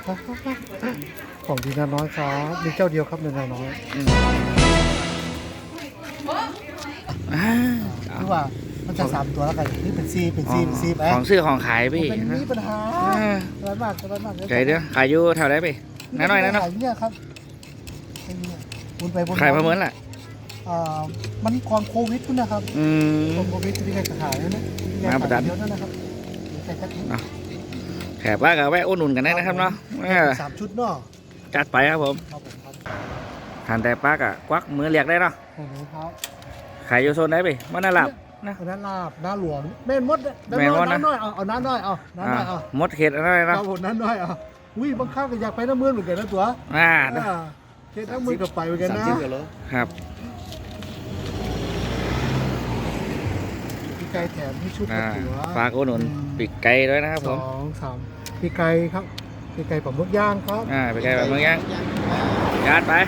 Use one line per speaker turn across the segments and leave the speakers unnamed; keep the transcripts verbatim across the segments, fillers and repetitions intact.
ของดีนาน้อยครับมีเจ้าเดียวครับในนาน้อย
อ่า
หรือว่ามันจะสามตัวแล้วกันนี่เป็นซีเป็นซีเป็นซีไป
ของซื้อของขายพี่
เป็นมีปัญหา
อ่า
ร้อนมากร้อนมาก
ใจเด้อขายอยู่แถวไหนพี่น้อยน้อยนะเนาะ
ขายเนี่ยครับไอ้เนี่ยวนไปวน
ขายประเมินแหละ
อ่ามันก่อนโควิดพุ่นนะครับ
อืม
ก่อนโควิดที่ใครจะขายนะนะ
มาประดัน
เยอะนั่นนะครับใครจะขาย
แขกบ้านกับแวะอุดหนุนกันได้นะครับเนาะเออ
สามชุดเนาะ
จัดไปครับผม
ครับผมครับ
ทานแต่ปลากะควักมือเรียกได้เนาะ
โอ้โหครับ
ขายอยู่โซนไหนพี่มันน่าหลับนะ
น้าลาบน้าหลวงแม่นมด
แม่นมดนะ
น้าน้อยเอาเอาน้าน้อยเอาน้าน้อยเอา
มดเข็ดอะไร
ค
เนาะ
รับผมน้าน้อยเอาอุ้ยบางครั้งก็อยากไปน้ำมือเหมือนกันนะตัว
อ่า
อ่าเทน้ำมือกับไปเหมือนกันนะ
ครับ
พี่ไก่แถมที่ชุด
อ่า
หัว
ฝากอุดหนุนปีกไก่ด้วยนะครับ
ส
ผ
อ
ม
งสามพี่ไก่ครับพี่ไก่ผมมุกย่างครับ
อ่าปีกไก่แบบเมืองย่างจัดไป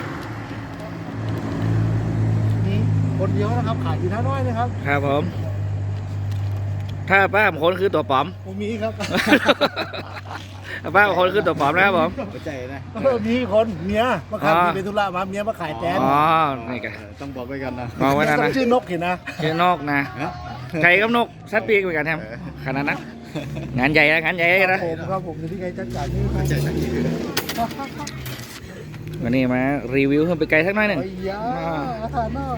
นี่คนเดียวนะครับขายอยู่น้าน้อยนะครับ
ครับผม ถ้าป้าบางคนคือตัวปลอม
ผมมีครับ
ถ้าป้าบางคนคือตัวปลอมนะครับผม
เข้าใจนะ
เออมีคนเมียมาขาย
อ๋อ
มีเป็นธุระมาเมียมาขายแตน
อ๋อนี่กัน
ต้องบอกไว้กันนะ
มองไว้นะ
ต้
นะ
องชื่อนกเห็นนะ
ชื่อนกนะไก่กับนกสัตว์ปีกเหมือนกันครับขนาดนั้นงานใหญ่นะงานใหญ่
ครั
นะ
บผมครับผมอยู่ที่ไก่จัดการนี่ครับ
เข้าใจสักทีคือ
วันนี้มารีวิวเพิ่มไปไกลสักหน่อยหนึ่ง
ไอ้ยาอาถรรพ์น่ะ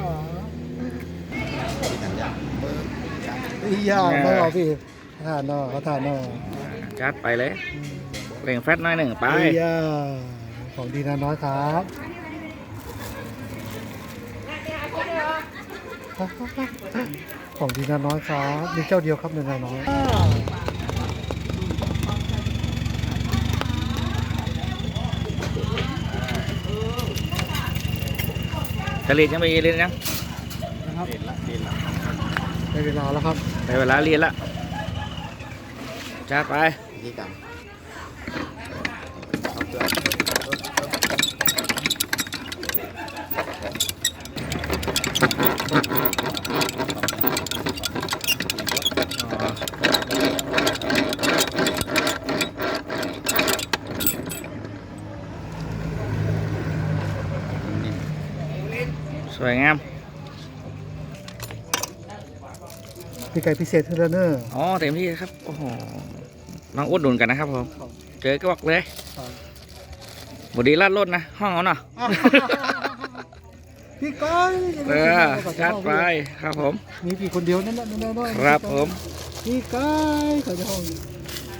ไอ้ยาไม่เอาพี่อาถรรพ์น่ะอาถรรพ์น่ะ
จัดไปเลยเร่งแฟตหน่อยหนึ่งไป
ไอ้ยาของดีนาน้อยครับของดีนาน้อยครับมีเจ้าเดียวครับในนาน้อย
จะเรียนยังไม่เรียนยัง
นะครับ
เด่นละเด่นละ
ได้เวลาแล้วครับ
ได้เวลาเรียนละจัดไป
นี่กันเอาเกลือ
สวยงาม
พี่ไก่พิเศษเทรนเนอร์
อ๋อเต็มที่ครับโอ้โหน้องอุดหนุนกันนะครับผมเจอก็บอกเลยบดีลาดรถนะห้องเอาเนาะ
พี่ก้อย
เออจัดไปครับผม
มีพี่คนเดียวนั่นแหละนั่นแหละ
ครับผม
พี่ก้อยเขาจะห้อง